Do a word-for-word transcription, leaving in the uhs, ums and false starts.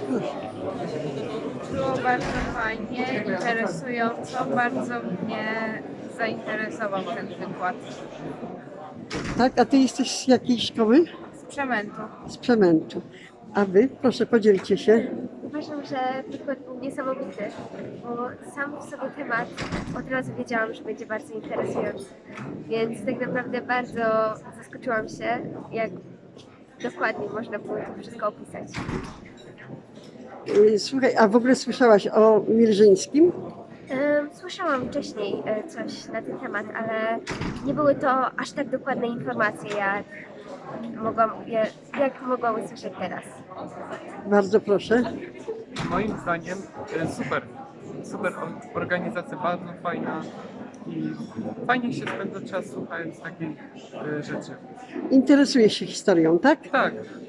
Było bardzo fajnie, interesująco, bardzo mnie zainteresował ten wykład Tak, a ty jesteś z jakiej szkoły? z Przemętu. Z Przemętu. A wy? Proszę, podzielcie się. Uważam, że wykład był niesamowity, bo sam w sobie temat od razu wiedziałam, że będzie bardzo interesujący. Więc tak naprawdę bardzo zaskoczyłam się, jak dokładnie można było to wszystko opisać. Y, Słuchaj, a w ogóle słyszałaś o Milżyńskim? Em, Słyszałam wcześniej e, coś na ten temat, ale nie były to aż tak dokładne informacje, jak mogłam, je- jak mogłam usłyszeć teraz. Bardzo proszę. Moim zdaniem e, super. Super o- organizacja, bardzo fajna i fajnie się spędza czas słuchając takich e, rzeczy. Interesujesz się historią, tak? Tak,